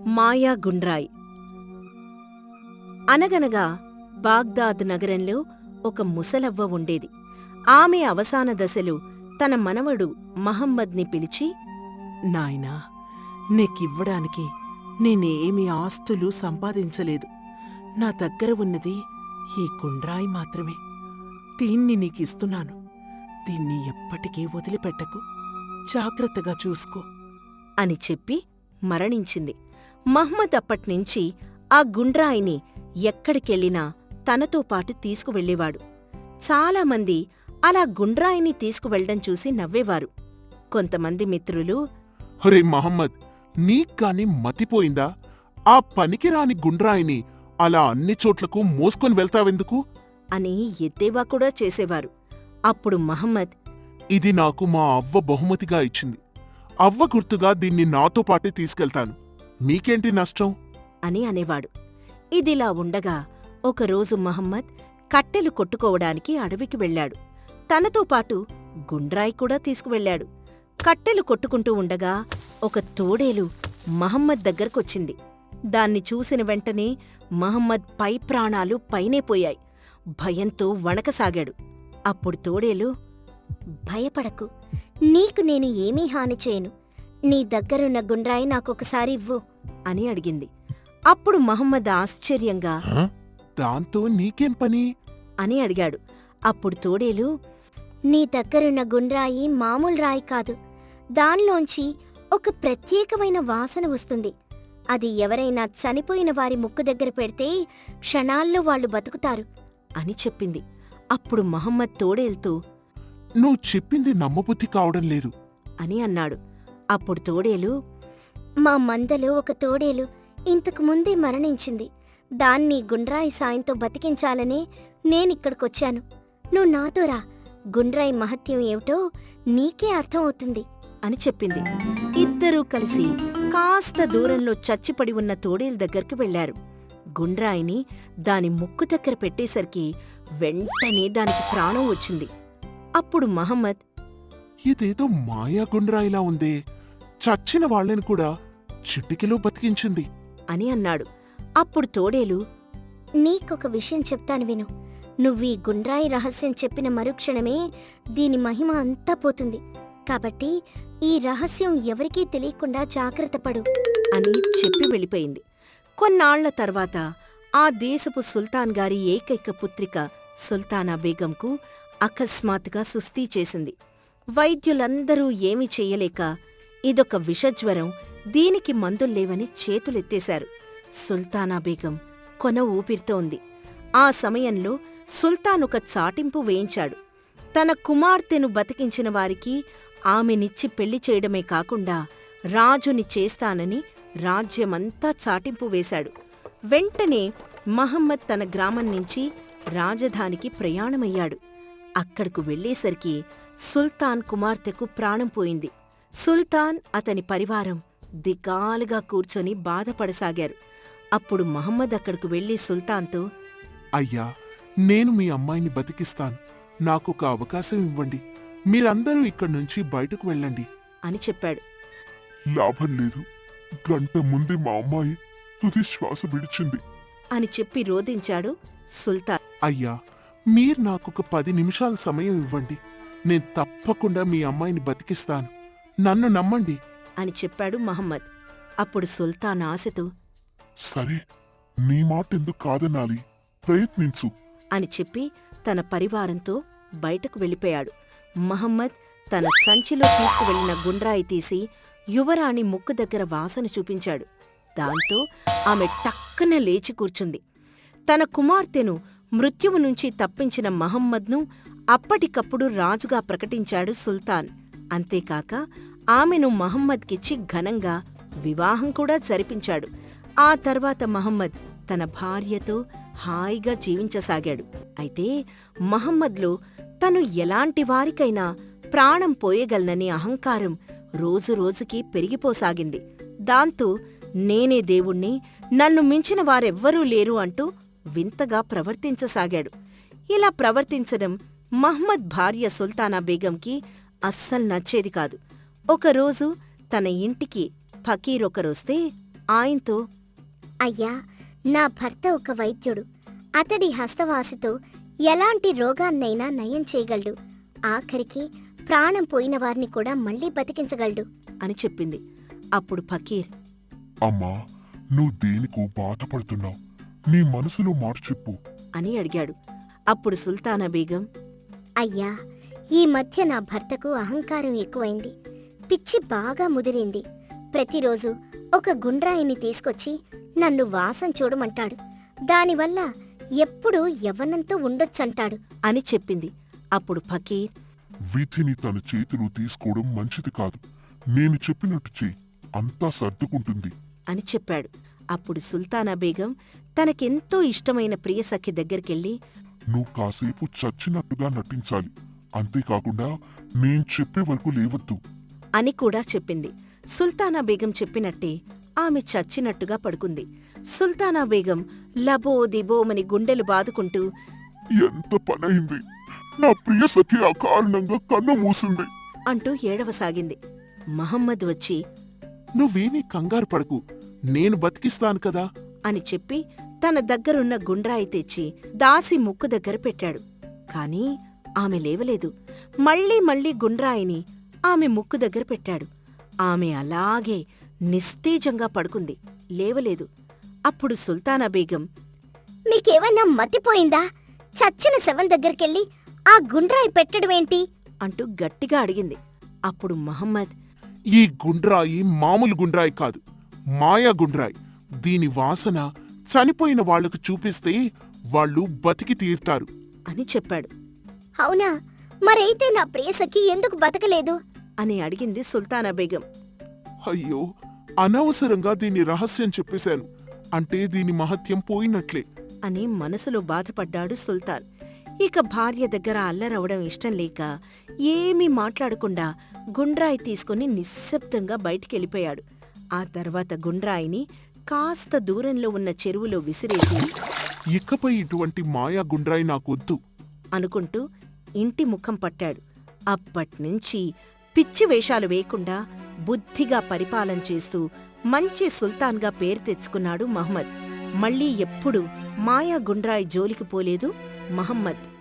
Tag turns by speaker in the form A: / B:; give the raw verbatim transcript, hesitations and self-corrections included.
A: మాయా గుండ్రాయ్. అనగనగా బాగ్దాద్ నగరంలో ఒక ముసలవ్వ ఉండేది. ఆమె అవసాన దశలో తన మనవడు మహమ్మద్ని పిలిచి,
B: నాయనా, నీకివ్వడానికి నేనేమీ ఆస్తులు సంపాదించలేదు. నా దగ్గర ఉన్నది ఈ గుండ్రాయి మాత్రమే. దీన్ని నీకిస్తున్నాను. దీన్ని ఎప్పటికీ వదిలిపెట్టకు. జాగ్రత్తగా చూసుకో
A: అని చెప్పి మరణించింది. మహ్మద్ అప్పట్నుంచి ఆ గుండ్రాయిని ఎక్కడికెళ్ళినా తనతో పాటు తీసుకువెళ్ళేవాడు. చాలామంది అలా గుండ్రాయిని తీసుకువెళ్లడం చూసి నవ్వేవారు. కొంతమంది మిత్రులు,
C: హరే మహమ్మద్, నీక్కాని మతిపోయిందా? ఆ పనికిరాని గుండ్రాయిని అలా అన్ని చోట్లకు మోసుకొని వెళ్తావెందుకు
A: అని ఎద్దేవా కూడా చేసేవారు. అప్పుడు మహమ్మద్,
C: ఇది నాకు మా అవ్వ బహుమతిగా ఇచ్చింది. అవ్వ గుర్తుగా దీన్ని నాతో పాటే తీసుకెళ్తాను. మీకేంటి నష్టం
A: అని అనేవాడు. ఇదిలా ఉండగా ఒకరోజు మహమ్మద్ కట్టెలు కొట్టుకోవడానికి అడవికి వెళ్ళాడు. తనతో పాటు గుండ్రాయి కూడా తీసుకువెళ్ళాడు. కట్టెలు కొట్టుకుంటూ ఉండగా ఒక తోడేలు మహమ్మద్ దగ్గరకొచ్చింది. దాన్ని చూసిన వెంటనే మహమ్మద్ పై ప్రాణాలు పైనే పోయాయి. భయంతో వణకసాగాడు. అప్పుడు తోడేలు,
D: భయపడకు, నీకు నేను ఏమీ హాని చేయను. నీ దగ్గరున్న గుండ్రాయి నాకొకసారి ఇవ్వు
A: అని అడిగింది. అప్పుడు మహమ్మద్ ఆశ్చర్యంగా,
C: దాంతో నీకేం పని
A: అని అడిగాడు. అప్పుడు తోడేలు,
D: నీ దగ్గరున్న గుండ్రాయి మామూలు రాయి కాదు. దానిలోంచి ఒక ప్రత్యేకమైన వాసన వస్తుంది. అది ఎవరైనా చనిపోయిన వారి ముక్కు దగ్గర పెడితే క్షణాల్లో వాళ్ళు బతుకుతారు
A: అని చెప్పింది. అప్పుడు మహమ్మద్ తోడేలుతో,
C: నువ్వు చెప్పింది నమ్మబుద్ధి కావడం లేదు
A: అని అన్నాడు. అప్పుడు తోడేలు,
D: మా మందలో ఒక తోడేలు ఇంతకు ముందే మరణించింది. దాన్ని గుండ్రాయి సాయంతో బతికించాలనే నేనిక్కడికొచ్చాను. నువ్వు నాతో రా, గుండ్రాయి మహత్యం ఏమిటో నీకే అర్థమవుతుంది
A: అని చెప్పింది. ఇద్దరూ కలిసి కాస్త దూరంలో చచ్చిపడి ఉన్న తోడేలు దగ్గరికి వెళ్లారు. గుండ్రాయిని దాని ముక్కు దగ్గర పెట్టేసరికి వెంటనే దానికి ప్రాణం వచ్చింది. అప్పుడు మహమ్మద్,
C: ఇదేదో మాయా గుండ్రాయిలా ఉందే, చచ్చిన వాళ్ళని కూడా చిటికెలో బతికించింది
A: అని అన్నాడు. అప్పుడు తోడేలు,
D: నీకొక విషయం చెప్తాను విను. నువ్వీ గుండ్రాయి రహస్యం చెప్పిన మరుక్షణమే దీని మహిమ అంతా పోతుంది. కాబట్టి ఈ రహస్యం ఎవరికీ తెలియకుండా జాగ్రత్తపడు
A: అని చెప్పి వెళ్ళిపోయింది. కొన్నాళ్ల తర్వాత ఆ దేశపు సుల్తాన్ గారి ఏకైక పుత్రిక సుల్తానా బేగంకు అకస్మాత్తుగా సుస్థీ చేసింది. వైద్యులందరూ ఏమీ చెయ్యలేక, ఇదొక విషజ్వరం, దీనికి మందుల్లేవని చేతులెత్తేశారు. సుల్తానా బేగం కొన ఊపిరితో ఉంది. ఆ సమయంలో సుల్తాన్ ఒక చాటింపు వేయించాడు. తన కుమార్తెను బతికించిన వారికి ఆమెనిచ్చి పెళ్లి చేయడమే కాకుండా రాజుని చేస్తానని రాజ్యమంతా చాటింపు వేశాడు. వెంటనే మహమ్మద్ తన గ్రామం నుంచి రాజధానికి ప్రయాణమయ్యాడు. అక్కడకు వెళ్లేసరికి సుల్తాన్ కుమార్తెకు ప్రాణం పోయింది. సుల్తాన్, అతని పరివారం దిగాలుగా కూర్చొని బాధపడసాగారు. అప్పుడు మహమ్మద్ అక్కడకు వెళ్లి సుల్తాన్తో,
C: అయ్యా, నేను మీ అమ్మాయిని బతికిస్తాను. నాకొక అవకాశం ఇవ్వండి. మీరందరూ ఇక్కడ్నుంచి బయటకు వెళ్ళండి
A: అని చెప్పాడు.
C: లాభం లేదు. గంట ముందే మా అమ్మాయి తుది శ్వాస విడిచింది
A: అని చెప్పి రోదించాడు సుల్తాన్.
C: అయ్యా, మీరు నాకొక పది నిమిషాల సమయం ఇవ్వండి. నేను తప్పకుండా మీ అమ్మాయిని బతికిస్తాను. నన్ను నమ్మండి
A: అని చెప్పాడు మహమ్మద్. అప్పుడు సుల్తాన్ ఆశతో,
C: సరే, నీ మాట ఎందుకు కాదనాలి, ప్రయత్నించు
A: అని చెప్పి తన పరివారంతో బయటకు వెళ్ళిపోయాడు. మహమ్మద్ తన సంచిలో తీసుకువెళ్లిన గుండ్రాయి తీసి యువరాణి ముక్కు దగ్గర వాసన చూపించాడు. దాంతో ఆమె టక్కన లేచి కూర్చుంది. తన కుమార్తెను మృత్యువు నుంచి తప్పించిన మహమ్మద్ను అప్పటికప్పుడు రాజుగా ప్రకటించాడు సుల్తాన్. అంతేకాక ఆమెను మహమ్మద్కిచ్చి ఘనంగా వివాహం కూడా జరిపించాడు. ఆ తర్వాత మహమ్మద్ తన భార్యతో హాయిగా జీవించసాగాడు. అయితే మహమ్మద్లో తను ఎలాంటి వారికైనా ప్రాణం పోయగలనని అహంకారం రోజురోజుకీ పెరిగిపోసాగింది. దాంతో నేనే దేవుణ్ణి, నన్ను మించిన వారెవ్వరూ లేరు అంటూ వింతగా ప్రవర్తించసాగాడు. ఇలా ప్రవర్తించడం మహ్మద్ భార్య సుల్తానా బేగంకి అస్సలు నచ్చేది కాదు. ఒకరోజు తన ఇంటికి ఫకీరొకరొస్తే ఆయనతో,
D: అయ్యా, నా భర్త ఒక వైద్యుడు. అతడి హస్తవాసితో ఎలాంటి రోగాన్నైనా నయం చేయగలడు. ఆఖరికి ప్రాణం పోయిన వారిని కూడా మళ్ళీ బతికించగలడు
A: అని చెప్పింది. అప్పుడు ఫకీర్,
C: అమ్మా, నువ్వు దేనికో బాధపడుతున్నావు? నీ మనసులో మాట చెప్పు
A: అని అడిగాడు. అప్పుడు సుల్తానా బేగం,
D: అయ్యా, ఈ మధ్య నా భర్తకు అహంకారం ఎక్కువైంది. పిచ్చి బాగా ముదిరింది. ప్రతిరోజు ఒక గుండ్రాయిని తీసుకొచ్చి నన్ను వాసం చూడమంటాడు. దానివల్ల ఎప్పుడూ యవ్వనంతో ఉండొచ్చంటాడు
A: అని చెప్పింది. అప్పుడు ఫకీర్,
C: విధిని తన చేతిలో తీసుకోవడం మంచిది కాదు. నేను చెప్పినట్టు చెయ్యి, అంతా సర్దుకుంటుంది
A: అని చెప్పాడు. అప్పుడు సుల్తానా బేగం తనకెంతో ఇష్టమైన ప్రియసఖి దగ్గరికెళ్ళి,
C: నువ్వు కాసేపు చచ్చినట్టుగా నటించాలి. అంతేకాకుండా నేను చెప్పే వరకు లేవద్దు
A: అని కూడా చెప్పింది. సుల్తానా బేగం చెప్పినట్టే ఆమె చచ్చినట్టుగా పడుకుంది. సుల్తానా బేగం లబో దిబోమని గుండెలు బాదుకుంటూ,
C: ఎంత పనైంది! నా ప్రియ సఖి అకారణంగా కన్ను మూసింది
A: అంటూ ఏడవసాగింది. మహమ్మద్ వచ్చి,
C: నువ్వేమీ కంగారు పడకు, నేను బతికిస్తాను కదా
A: అని చెప్పి తన దగ్గరున్న గుండ్రాయి తెచ్చి దాసి ముక్కు దగ్గర పెట్టాడు. కాని ఆమె లేవలేదు. మళ్ళీ మళ్ళీ గుండ్రాయిని ఆమె ముక్కు దగ్గర పెట్టాడు. ఆమె అలాగే నిస్తేజంగా పడుకుంది, లేవలేదు. అప్పుడు సుల్తానా బేగం,
D: మీకేమన్నా మతిపోయిందా? చచ్చిన శవం దగ్గరికెళ్ళి ఆ గుండ్రాయి పెట్టడమేంటి
A: అంటూ గట్టిగా అడిగింది. అప్పుడు మహమ్మద్,
C: ఈ గుండ్రాయి మామూలు గుండ్రాయి కాదు, మాయా గుండ్రాయి. దీని వాసన చనిపోయిన వాళ్లకు చూపిస్తే వాళ్ళు బతికి తీరుతారు
A: అని చెప్పాడు.
D: అవునా? మరైతే నా ప్రియసఖి ఎందుకు బతకలేదు
A: అని అడిగింది సుల్తానా బేగం.
C: అయ్యో, అనవసరంగా దీని రహస్యం చెప్పేశాను. అంటే దీని మహత్యం పోయినట్లే
A: అని మనసులో బాధపడ్డాడు సుల్తాన్. ఇక భార్య దగ్గర అల్లరవడం ఇష్టం లేక ఏమీ మాట్లాడకుండా గుండ్రాయి తీసుకుని నిశ్శబ్దంగా బయటికెళ్ళిపోయాడు. ఆ తర్వాత గుండ్రాయిని కాస్త దూరంలో ఉన్న చెరువులో విసిరేసి,
C: ఇకపై ఇటువంటి మాయా గుండ్రాయి నాకొద్దు
A: అనుకుంటూ ఇంటి ముఖం పట్టాడు. అప్పట్నుంచి పిచ్చి వేషాలు వేయకుండా బుద్ధిగా పరిపాలన చేస్తూ మంచి సుల్తాన్గా పేరు తెచ్చుకున్నాడు మహమ్మద్. మళ్ళీ ఎప్పుడూ మాయా గుండ్రాయి జోలికి పోలేదు మహమ్మద్.